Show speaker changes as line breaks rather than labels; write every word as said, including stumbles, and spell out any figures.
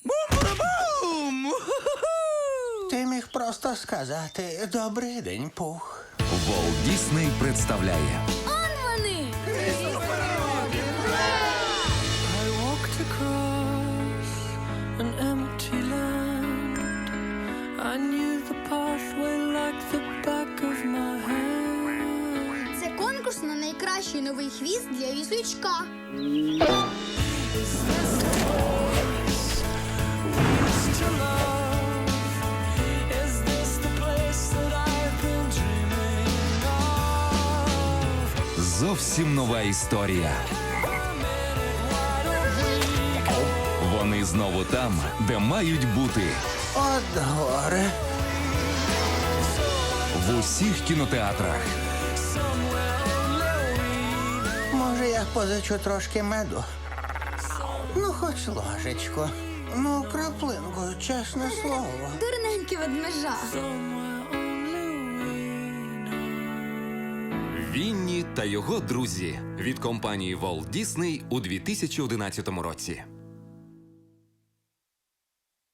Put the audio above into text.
Бум-бум-бум!
Ти міг просто сказати «Добрий день, Пух».
Walt Disney представляє
Он вони!
I walked across an empty land. I knew the pathway like the back of my hand.
Це конкурс на найкращий новий хвіст для віслючка.
Is this the place we used to love? Is this the place that I've been dreaming of?
зовсім нова історія. Вони знову там, де мають бути.
От горе.
В усіх кінотеатрах.
Може, я позичу трошки меду? Ну, хоч ложечку. Ну, краплинку, чесне слово.
Дурненький ведмежа.
Вінні та його друзі від компанії Walt Disney у дві тисячі одинадцятому році.